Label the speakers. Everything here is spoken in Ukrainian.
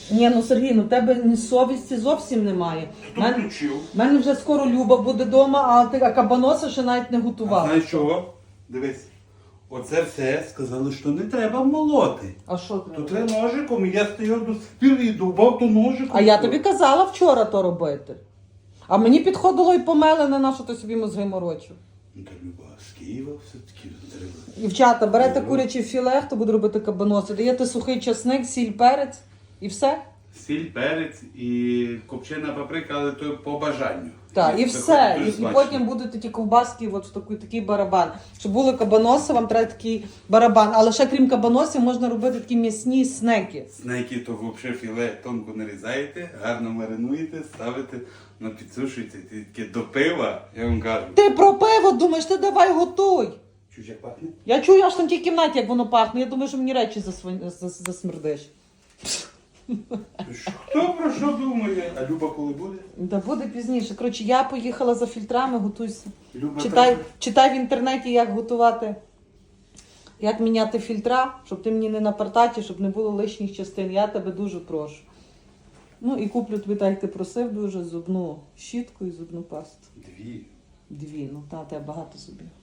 Speaker 1: Ні, ну Сергій, ну в тебе ні совісті зовсім немає.
Speaker 2: Хто включив?
Speaker 1: У мене вже скоро Люба буде вдома, а кабаноса ще навіть не
Speaker 2: А
Speaker 1: готував.
Speaker 2: знаєш чого? Дивись. Оце все сказали, що не треба молоти.
Speaker 1: А що
Speaker 2: То
Speaker 1: треба?
Speaker 2: треба ножиком, і я стояв до сих пір і довбав то ножиком.
Speaker 1: А я тобі казала вчора то робити. А мені підходило і помелене, на що ти собі мозги морочив.
Speaker 2: Ну так, Люба, з Києва все-таки треба.
Speaker 1: Дівчата, берете куряче філе, хто буде робити кабаноси, даєте сухий часник, сіль, перець і все.
Speaker 2: Сіль, перець і копчена паприка, але то по бажанню.
Speaker 1: Так, і все.
Speaker 2: Дуже
Speaker 1: І
Speaker 2: смачно.
Speaker 1: потім будуть ті ковбаски, от в такий барабан. Щоб були кабаноси, вам треба такий барабан. Але ще крім кабаносів можна робити такі м'ясні снеки.
Speaker 2: Снеки то взагалі філе тонко нарізаєте, гарно маринуєте, ставите, підсушуєте, таке до пива, я вам кажу.
Speaker 1: Ти про пиво думаєш, ти давай готуй.
Speaker 2: Чуть як пахне?
Speaker 1: Я чую аж там в тій кімнаті, як воно пахне. Я думаю, що мені речі засмердиш.
Speaker 2: Хто про що думає? А Люба коли буде?
Speaker 1: Да буде пізніше. Коротше, я поїхала за фільтрами, готуйся.
Speaker 2: Люба
Speaker 1: Читай в інтернеті, як готувати, як міняти фільтра, щоб ти мені не напартаті, щоб не було лишніх частин. Я тебе дуже прошу. Ну і куплю тобі, так як ти просив, дуже зубну щітку і зубну пасту.
Speaker 2: Дві.
Speaker 1: Дві, ну та, тебе багато зубів.